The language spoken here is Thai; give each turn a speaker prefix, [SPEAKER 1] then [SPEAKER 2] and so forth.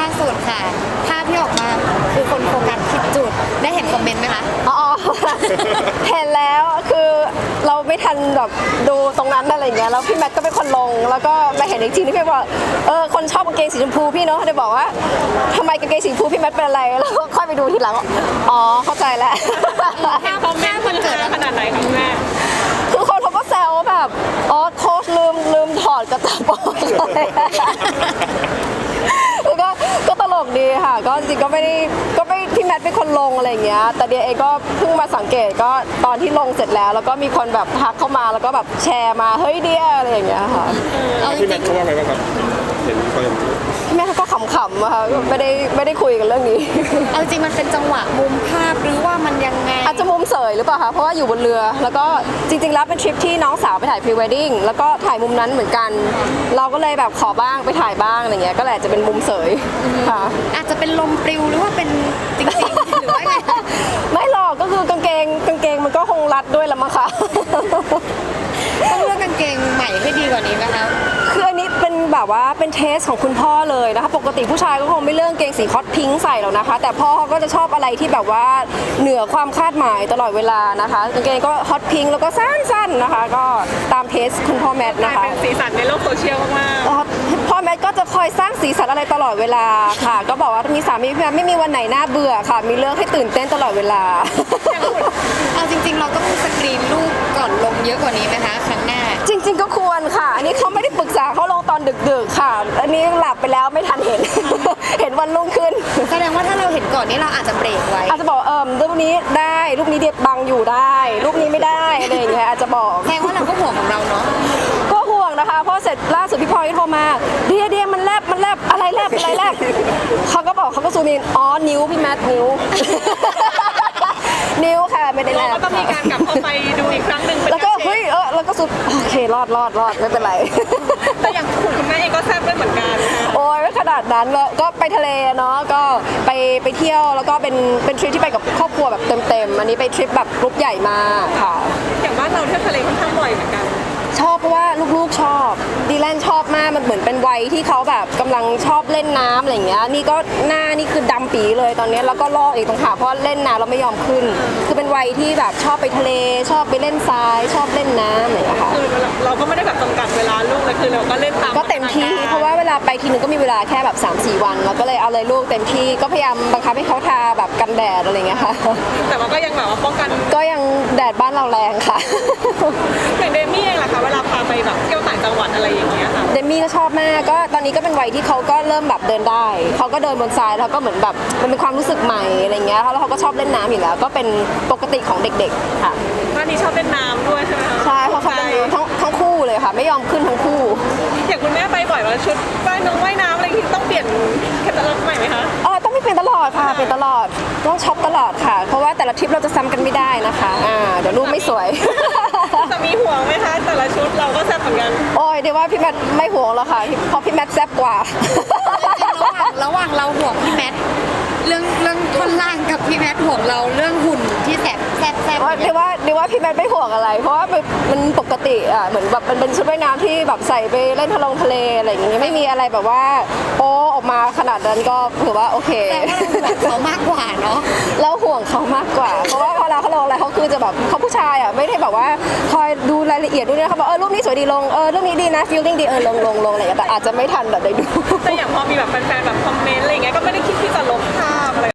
[SPEAKER 1] สุดค่ะภาพที่ออกมาคือคนโฟกัสผิดจุดได้เห็นคอมเมนต์ไหมคะ
[SPEAKER 2] อ๋อ เห็นแล้วคือเราไม่ทันแบบดูตรงนั้นอะไรเงี้ยแล้วพี่แมทก็เป็นคนลงแล้วก็มาเห็นอีกทีนี่พี่บอกคนชอบกางเกงสีชมพูพี่เนาะได้บอกว่าทำไมกางเกงสีชมพูพี่แมทเป็นอะไรแล้วก็ค่อยไปดูทีหลังอ๋อเข้าใจแล้ว
[SPEAKER 1] คอมเมนต์มันเกิดขนาดไหนคะแม่
[SPEAKER 2] คือคนเขาก็แซวแบบโค้ชลืมถอดกระตับออกเลยก็ตลกดีค่ะก็จริงๆก็ไม่พี่แมทเป็นคนลงอะไรอย่างเงี้ยแต่เดียเองก็เพิ่งมาสังเกตก็ตอนที่ลงเสร็จแล้วก็มีคนแบบทักเข้ามาแล้วก็แบบแชร์มาเฮ้ยเดียอะไรอย่างเงี้ยค่ะ
[SPEAKER 3] พี่แมทเขาว่าไงบ้างครับเห็นเขาอย่างนี้
[SPEAKER 2] พี่แมทก็ขำๆอะค่ะไม่ได้คุยกันเรื่องนี้
[SPEAKER 1] เอาจริงมันเป็นจังหวะมุมภาพหรือว่ามันยังไง
[SPEAKER 2] อาจจะมุมเสยหรือเปล่าคะเพราะว่าอยู่บนเรือแล้วก็จริงๆแล้วเป็นทริปที่น้องสาวไปถ่ายพรีเวดดิ้งแล้วก็ถ่ายมุมนั้นเหมือนกันเราก็เลยแบบขอบ้างไปถ่ายบ้างอะไรเงี้ยก็แหละจะเป็นมุมเสยค่ะ
[SPEAKER 1] อาจจะเป็นลมปลิวหรือว่าเป็นจริงๆหรือว่าไง
[SPEAKER 2] ไม่หรอกก็คือกางเกงมันก็คงรัดด้วยละมั้งคะ
[SPEAKER 1] ต้องเลือกกางเกงใหม่ให้ดีกว่านี้ไหมคะ
[SPEAKER 2] คืออันนี้เป็นแบบว่าเป็นเทสของคุณพ่อเลยนะคะปกติผู้ชายก็คงไม่เลือกกางเกงสีฮอตพิงค์ใส่หรอกนะคะแต่พ่อเขาก็จะชอบอะไรที่แบบว่าเหนือความคาดหมายตลอดเวลานะคะกางเกงก็ฮอตพิงค์แล้วก็สั้นๆนะคะก็ตามเทสคุณพ่อแมทนะคะ
[SPEAKER 1] เป็นสีสันในโลกโซเชียลมาก
[SPEAKER 2] พ่อแมทก็จะคอยสร้างสีสันอะไรตลอดเวลาค่ะก็บอกว่ามีสามีพี่แมทไม่มีวันไหนน่าเบื่อค่ะมีเรื่องให้ตื่นเต้นตลอดเวลา
[SPEAKER 1] เอาจริงๆเราต้องสกรีนรูปก่อนลงเยอะกว่านี้ไหมคะครั้งหน้า
[SPEAKER 2] จริงๆก็ควรค่ะอันนี้เขาไม่ได้ปรึกษาเขาลงตอนดึกๆค่ะอันนี้หลับไปแล้วไม่ทันเห็น เห็นวันรุ่งขึ้น
[SPEAKER 1] แสดงว่าถ้าเราเห็นก่อนนี้เราอาจจะเบรกไว้
[SPEAKER 2] อาจจะบอกรูปนี้ได้รูปนี้เดียบังอยู่ได้รูปนี้ไม่ได้อะไรอย่างเงี้ยอาจจะบอก
[SPEAKER 1] แสดงว่าเราก็ห่วงของเราเนาะ
[SPEAKER 2] ก็ห่วงนะคะเพราะเสร็จล่าสุดพี่พลอยโทรมาเดียมันแลบอะไรแลบเขาก็บอกเขาก็ซูมอินนิ้วพี่แมทนิ้ว นิ้วค่ะไม่ได้แลบ
[SPEAKER 1] เราก็ต้องมีการกลับเข้าไปดูอีกครั้งหนึ่ง
[SPEAKER 2] แล้วก็เฮ้ยแล้วก็สุดโอเครอดไม่เป็นไร
[SPEAKER 1] แต่อย่างคุณแม่เองก็แซ่บด้วยเหมือนกัน
[SPEAKER 2] โอ้ยไม่ขนาดนั้นก็ไปทะเลเนาะก็ไปเที่ยวแล้วก็เป็นทริปที่ไปกับครอบครัวแบบเต็มอันนี้ไปทริปแบบกรุ๊ปใหญ่มากค่ะ
[SPEAKER 1] อย่างบ้านเราเที่ยวทะเลค่อนข้างบ่อยเหมือนกัน
[SPEAKER 2] ชอบเพราะว่าลูกๆชอบดีแลนชอบมากมันเหมือนเป็นวัยที่เขาแบบกำลังชอบเล่นน้ำอะไรอย่างเงี้ยนี่ก็หน้านี่คือดำปีเลยตอนนี้แล้วก็ลอกอีกตรงขาเพราะเล่นน้ำเราไม่ยอมขึ้นคือเป็นวัยที่แบบชอบไปทะเลชอบไปเล่นทรายชอบเล่นน้ำอะไรอย่างเงี้ยค่ะ
[SPEAKER 1] คือเราก็ไม่ได้แบบจำกัดเวลาลูกเลยคือเราก็เล่นตาม
[SPEAKER 2] ก็เต็มที่เพราะว่าเวลาไปทีนึงก็มีเวลาแค่แบบ 3-4 วันเราก็เลยเอาเลยลูกเต็มที่ก็พยายามบังคับให้เขาทาแบบกันแดดอะไรอย่างเงี้ยค่ะ
[SPEAKER 1] แต่ว่าก็ยังแบบว่าป้องกัน
[SPEAKER 2] ก็ยังแดดบ้านเราแรงค่ะ
[SPEAKER 1] อย่างเดมี่เองล่ะคะเวลาพาไปแบบเที่ยวต่างจังหวัดอะไรอย่างเงี้ยค่ะ
[SPEAKER 2] เดมี่ก็ชอบมากก็ตอนนี้ก็เป็นวัยที่เขาก็เริ่มแบบเดินได้เขาก็เดินบนทรายแล้วก็เหมือนแบบมันเป็นความรู้สึกใหม่อะไรเงี้ยแล้วเขาก็ชอบเล่นน้ำอยู่แล้วก็เป็นปกติของเด็กๆค่ะ
[SPEAKER 1] บ้านนี้ชอบเล่นน้ำด้วยใช่ไหมคะ
[SPEAKER 2] ใช่เขาชอบเล่นน้ำทั้งคู่เลยค่ะไม่ยอมขึ้นทั้งคู่
[SPEAKER 1] อย่างคุณแม่ไปบ่อยว่าชุดว่ายน้ำอะไรที่ต้องเปลี่ยนแคตตาล็อกใหม่ไหมคะ
[SPEAKER 2] ต้องไม่เปลี่ยนตลอดค่ะเปลี่ยนตลอดต้องช็อปตลอดค่ะเพราะว่าแต่ละทริปเราจะซ้ำกันไม่ได้นะคะเดี๋ยวรูปไม่สวย
[SPEAKER 1] จะมีห่วงไหมคะแต่ละชุดเราก็แซ่บเหมือนกัน
[SPEAKER 2] โอ้ยเดี๋ยวว่าพี่แมทไม่ห่วงแล้วค่ะเพราะพี่แมทแซ่บกว่า
[SPEAKER 1] ระหว่างเราห่วงพี่แมทเรื่องท่อนล่างกับพี่แมทห่วงเราเรื่องหุ่นที่แซ่บ
[SPEAKER 2] เดี๋ยวว่าพี่แมทไม่ห่วงอะไรเพราะว่ามันปกติเหมือนแบบมันเป็นชุดว่ายน้ำที่แบบใส่ไปเล่นทะเลอะไรอย่างเงี้ยไม่มีอะไรแบบว่าโอ้ออกมาขนาดนั้นก็ถือว่าโอเค
[SPEAKER 1] แต่ว่าเราห่วงเขามากกว่าเนาะ
[SPEAKER 2] เราห่วงเขามากกว่าเพราะว่าเวลาเขาลงอะไรเขาคือจะแบบเขาผู้ชายไม่ได้แบบว่าคอยดูรายละเอียดด้วยนะเขาบอกรูปนี้สวยดีลงรูปนี้ดีนะฟีลลิ่งดีลงอะไรอย่างเงี้ยแต่อาจจะไม่ทันแบบได้ดู
[SPEAKER 1] แต่อย่างพอมีแบบแฟนๆแบบ